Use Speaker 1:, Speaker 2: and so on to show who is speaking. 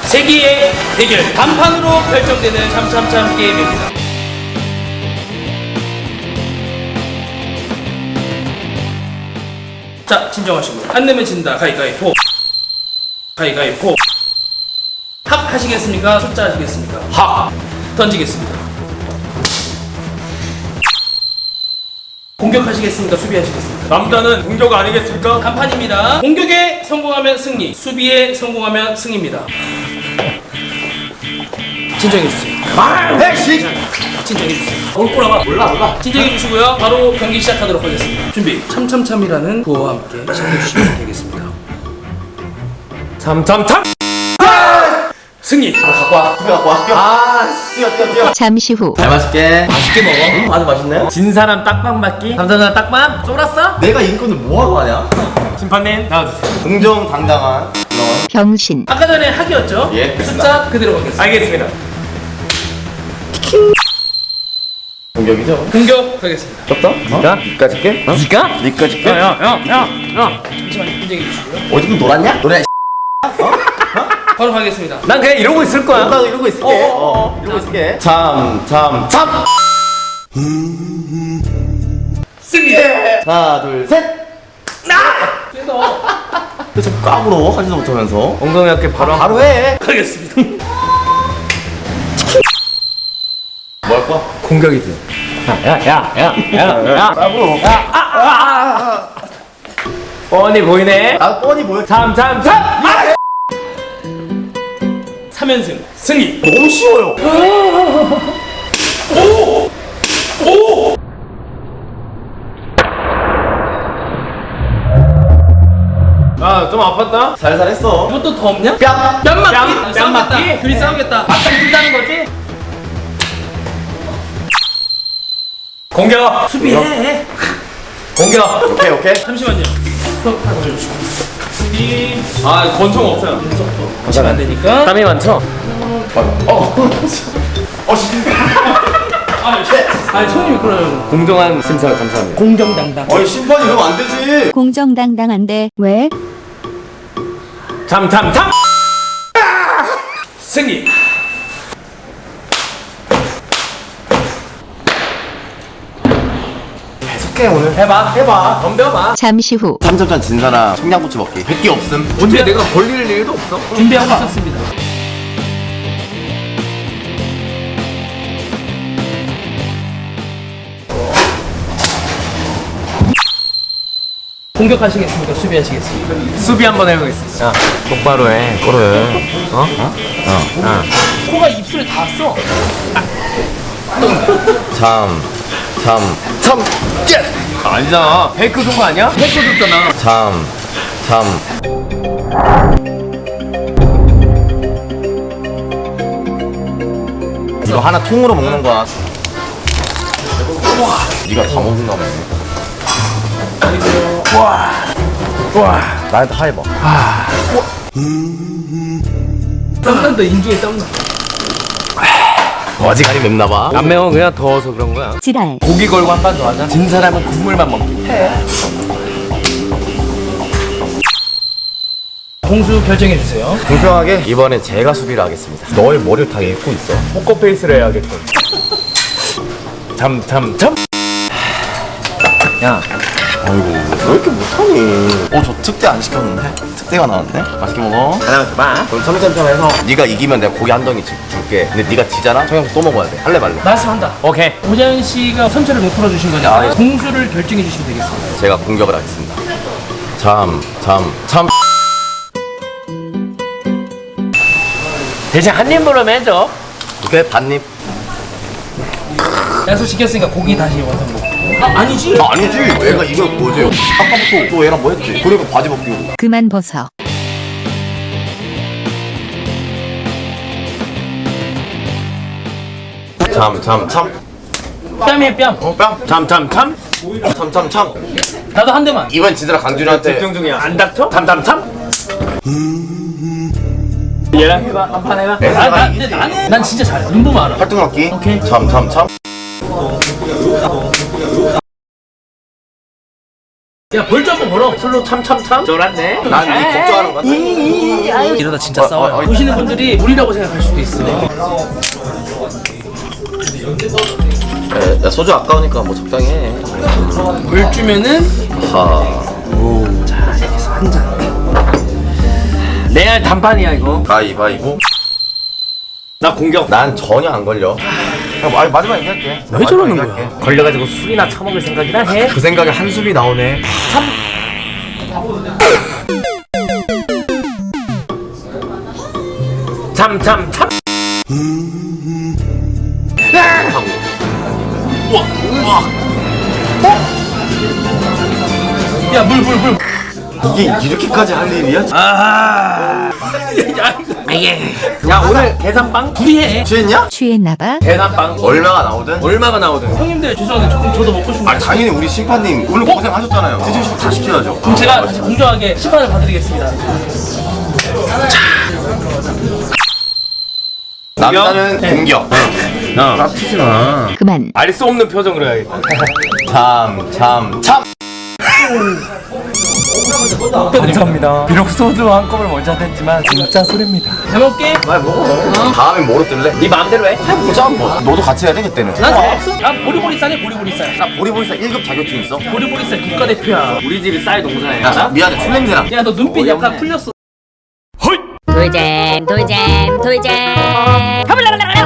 Speaker 1: 세기의 대결 단판으로 결정되는 참참참 게임입니다. 자, 진정하시고 안 내면 진다. 가위가위보. 가위가위보. 합 하시겠습니까? 숫자 하시겠습니까? 합. 던지겠습니다. 공격하시겠습니까? 수비하시겠습니까?
Speaker 2: 남자는 공격 아니겠습니까?
Speaker 1: 단판입니다. 공격에 성공하면 승리, 수비에 성공하면 승입니다. 진정해주세요. 진정해주세요. 올 꼬라봐.
Speaker 2: 몰라.
Speaker 1: 진정해주시고요. 바로 경기 시작하도록 하겠습니다. 준비. 참참참이라는 구호와 함께 시작해주시면 되겠습니다.
Speaker 2: 참참참!
Speaker 1: 승리!
Speaker 2: 갖고 와. 뛰어.
Speaker 3: 잠시 후
Speaker 4: 잘 마실게.
Speaker 2: 맛있게 먹어.
Speaker 4: 아주 맛있네.
Speaker 2: 진 사람 딱밤 맞기.
Speaker 4: 감사합니다. 딱밤.
Speaker 2: 쫄았어?
Speaker 4: 내가 인권을 뭐하러 하냐?
Speaker 2: 심판님 나와주세요.
Speaker 4: 공정당당한 넌.
Speaker 3: 병신
Speaker 1: 아까 전에 학이었죠?
Speaker 4: 예,
Speaker 1: 숫자 그대로 가겠습니다.
Speaker 2: 알겠습니다.
Speaker 4: 공격이죠?
Speaker 1: 공격하겠습니다.
Speaker 4: 떴다? 니까지 게?
Speaker 2: 니까?
Speaker 4: 니까지 게?
Speaker 2: 야.
Speaker 1: 잠시만요. 인정해주시고요.
Speaker 4: 어디 놀았냐? 노래
Speaker 1: 바로 가겠습니다.
Speaker 2: 난 그냥 이러고 있을 거야.
Speaker 4: 나도 이러고 있을게. 이러고 있을게. 참.
Speaker 1: 승리!
Speaker 4: 하나, 둘, 셋. 너 자꾸 까불어 하지도 못하면서.
Speaker 2: 엉덩이 어깨 바로
Speaker 4: 해.
Speaker 1: 가겠습니다.
Speaker 4: 뭐 할 거야?
Speaker 2: 공격이지. 야.
Speaker 4: 까불어.
Speaker 2: 뻔히 보이네.
Speaker 4: 아 뻔히 보여.
Speaker 2: 참.
Speaker 1: 3연승 승리!
Speaker 4: 너무 쉬워요.
Speaker 2: 좀 아팠다.
Speaker 4: 살살 했어.
Speaker 1: 이것도 더 없냐?
Speaker 4: 뺨.
Speaker 1: 뺨맞기?
Speaker 2: 뺨 맞기?
Speaker 1: 둘이 싸우겠다. 맞짱 뜬다는 거지?
Speaker 2: 공격.
Speaker 1: 수비해.
Speaker 2: 공격.
Speaker 4: 오케이.
Speaker 1: 잠시만요. 스톱 하고 해주시고. 수비.
Speaker 2: 권총 없어요.
Speaker 1: 하시면 안 되니까.
Speaker 2: 땀이 많죠?
Speaker 1: 아니 손님이 그러요.
Speaker 2: 공정한 심사 감사합니다.
Speaker 1: 공정당당.
Speaker 4: 어이 심판이 이러면 안 되지.
Speaker 3: 공정당당한데 왜?
Speaker 2: 참.
Speaker 1: 승리.
Speaker 4: 계속해 오늘.
Speaker 2: 해봐. 덤벼봐.
Speaker 3: 잠시 후
Speaker 4: 3점전 진 사람 청양고추 먹기. 100개 없음.
Speaker 2: 어떻게 내가 걸릴 일도 없어?
Speaker 1: 준비하고 있었습니다. 공격하시겠습니까? 수비하시겠습니까?
Speaker 2: 수비 한번 해보겠습니다. 야, 똑바로 해. 그래.
Speaker 1: 코가 입술에 닿았어.
Speaker 4: 참.
Speaker 2: 아니잖아. 페이크 쏜거 아니야? 페이크 줬잖아.
Speaker 4: 참. 이거 하나 통으로 먹는 거야. 네가 다 먹는가 보네. 와. 나한테 하해봐.
Speaker 1: 땀난다. 인중에 땀나.
Speaker 4: 어지간히 맵나봐.
Speaker 2: 안 매워. 그냥 더워서 그런 거야.
Speaker 3: 지랄
Speaker 2: 고기 걸고 한 판 더 하자. 진 사람은 국물만 먹기.
Speaker 1: 공수 결정해 주세요.
Speaker 4: 공평하게 이번엔 제가 수비를 하겠습니다. 너의 머리를 다 읽고 있어.
Speaker 2: 포커페이스를 해야겠군. 참. 야,
Speaker 4: 아이고 왜 이렇게 못하니? 저 특대 안 시켰는데? 특대가 나왔네? 맛있게 먹어.
Speaker 2: 하나만 더 봐.
Speaker 4: 그럼 참참참해서 네가 이기면 내가 고기 한 덩이 줄게. 근데 네가 지잖아? 청양고추 또 먹어야 돼. 할래 말래?
Speaker 1: 말씀한다.
Speaker 2: 오케이.
Speaker 1: 오자연 씨가 선처를 못 풀어주신 거니까
Speaker 4: 아, 예.
Speaker 1: 공수를 결정해 주시면 되겠습니다.
Speaker 4: 제가 공격을 하겠습니다. 참.
Speaker 2: 대신 한 입으로 해줘.
Speaker 4: 오케이 반입.
Speaker 1: 약속 지켰으니까 고기 다시 완성 먹고. 아니지.
Speaker 4: 아니지. 얘가 이걸 뭐지? 아까부터 또 얘랑 뭐 했지? 그리고 바지 벗기고.
Speaker 3: 그만 벗어
Speaker 4: 참.
Speaker 1: 뺨이에요 뺨.
Speaker 4: 뺨. 참.
Speaker 1: 나도 한 대만.
Speaker 4: 이번 지드라 강준이한테
Speaker 2: 집중 중이야. 안 닥쳐? 참. 얘랑 해봐. 한 판 해봐.
Speaker 1: 근데 나는 난 진짜 잘해. 눈 보면 알아.
Speaker 4: 활동학기.
Speaker 1: 오케이.
Speaker 4: 참.
Speaker 1: 야 벌 좀 한번 걸어.
Speaker 2: 술로 참참참 쫄았네.
Speaker 4: 난네 걱정하는 거야.
Speaker 1: 이러다 진짜 싸워요. 보시는 분들이 무리라고 생각할 수도 있어.
Speaker 4: 야 소주 아까우니까 뭐 적당히 해.
Speaker 1: 물 주면은
Speaker 4: 하.
Speaker 1: 자 여기서 한 잔.
Speaker 2: 레알 단판이야 이거.
Speaker 4: 가위바위보.
Speaker 2: 나 공격.
Speaker 4: 난 전혀 안 걸려. 마지막 얘기할게.
Speaker 1: 왜 저러는 거야?
Speaker 4: 얘기할게.
Speaker 2: 걸려가지고 술이나 처먹을 생각이나 해.
Speaker 4: 그 생각에 한숨이 나오네.
Speaker 2: 참참참.
Speaker 1: 야 물 물 물.
Speaker 4: 이게 이렇게까지 할 일이야?
Speaker 2: 야 오늘 계산빵?
Speaker 1: 둘이 해.
Speaker 4: 취했냐?
Speaker 3: 취했나봐.
Speaker 2: 계산빵
Speaker 4: 얼마가 나오든?
Speaker 2: 얼마가 나오든.
Speaker 1: 형님들 죄송한데 조금 저도 먹고 싶은 거.
Speaker 4: 아 당연히 우리 심판님 오늘 고생하셨잖아요. 드시고 싶으면 다 시켜야죠.
Speaker 1: 그럼 제가 공정하게 심판을 봐드리겠습니다.
Speaker 4: 남자는 공격.
Speaker 2: 깝치지 마.
Speaker 3: 그만.
Speaker 2: 알 수 없는 표정으로 해야겠다.
Speaker 4: 참.
Speaker 2: 감사합니다. 비록 소주 한 컵을 먼저 했지만 진짜 술입니다.
Speaker 1: 잘 먹게.
Speaker 4: 말 먹어. 다음엔 뭐로 뜰래?
Speaker 2: 네 마음대로 해.
Speaker 4: 해보자 뭐. 너도 같이 해야 돼 그때는.
Speaker 1: 난 상관없어. 난 보리보리 쌀이 보리보리 쌀.
Speaker 4: 나 보리보리사 1급 자격증 있어.
Speaker 1: 보리보리 쌀 국가대표야.
Speaker 2: 우리 집이 쌀 농사야.
Speaker 4: 야, 나 미안해 술 냄새나.
Speaker 1: 야 너 눈빛
Speaker 2: 어이없네.
Speaker 1: 약간 풀렸어.
Speaker 5: 돌잼 돌잼 돌잼